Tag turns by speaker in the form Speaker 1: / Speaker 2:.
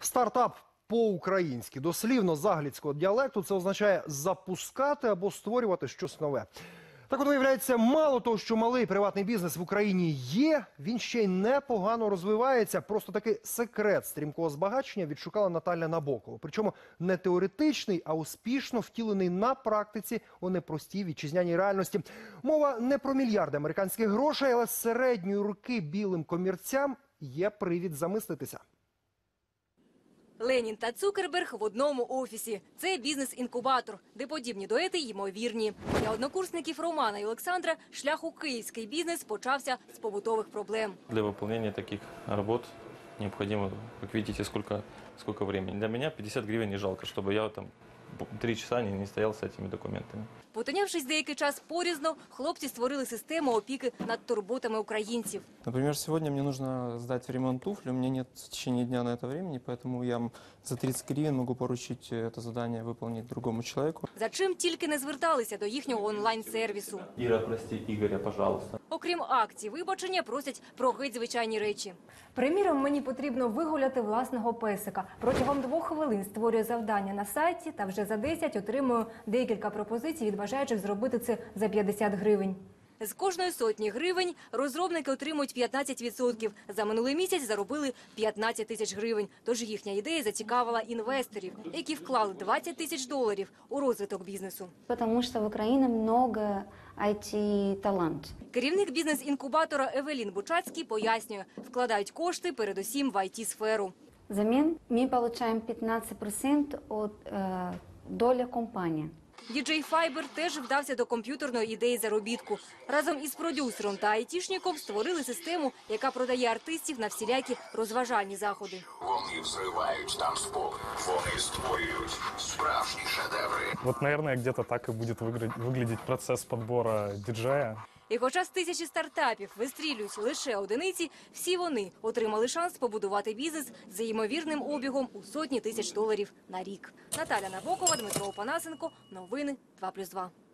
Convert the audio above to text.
Speaker 1: Стартап по-українськи. Дослівно з англійського діалекту це означає запускати або створювати щось нове. Так от, виявляється, мало того, що малий приватний бізнес в Україні є, він ще й непогано розвивається. Просто такий секрет стрімкого збагачення відшукала Наталя Набокова. Причому не теоретичний, а успішно втілений на практиці у непростій вітчизняній реальності. Мова не про мільярди американських грошей, але з середньої руки білим комірцям є привід замислитися.
Speaker 2: Ленін та Цукерберг в одному офісі. Це бізнес-інкубатор, де подібні дуети ймовірні. Для однокурсників Романа і Олександра шлях у київський бізнес почався з побутових проблем.
Speaker 3: Для виконання таких робот необхідно, як бачите, скільки времени. Для мене 50 гривень не жалко, щоб я там 3 часа не стояв з цими документами.
Speaker 2: Потинявшись деякий час порізно, хлопці створили систему опіки над турботами українців.
Speaker 4: Например, сегодня мне нужно сдать в ремонт туфли, у меня нет в течение дня на это времени, поэтому я за 30 гривен могу поручить это задание выполнить другому человеку.
Speaker 2: За чим тільки не зверталися до їхнього онлайн-сервісу.
Speaker 3: Іра, прости, Ігоря, пожалуйста.
Speaker 2: Окрім акцій вибачення, просять про геть звичайні речі.
Speaker 5: Приміром, мені потрібно вигуляти власного песика. Протягом 2 хвилин створюю завдання на сайті та вже за 10 отримую декілька пропозицій від бажаючих зробити це за 50 гривень.
Speaker 2: З кожної сотні гривень розробники отримують 15%. За минулий місяць заробили 15 тисяч гривень. Тож їхня ідея зацікавила інвесторів, які вклали 20 тисяч доларів у розвиток бізнесу.
Speaker 6: Потому что в Украине много IT-талант.
Speaker 2: Керівник бізнес-інкубатора Евелін Бучацький пояснює, вкладають кошти передусім в IT-сферу.
Speaker 6: Взамен мы получаем 15% от доля компании.
Speaker 2: Діджей Файбер теж вдався до комп'ютерної ідеї заробітку. Разом із продюсером та айтішником створили систему, яка продає артистів на всілякі розважальні заходи.
Speaker 7: Вони взривають танцпол, вони створюють справжні шедеври.
Speaker 8: Вот, наверное, где-то так и будет выглядеть процесс подбора диджея.
Speaker 2: І хоча з тисячі стартапів вистрілюють лише одиниці, всі вони отримали шанс побудувати бізнес за ймовірним обігом у сотні тисяч доларів на рік. Наталя Набокова, Дмитро Опанасенко. Новини 2+2.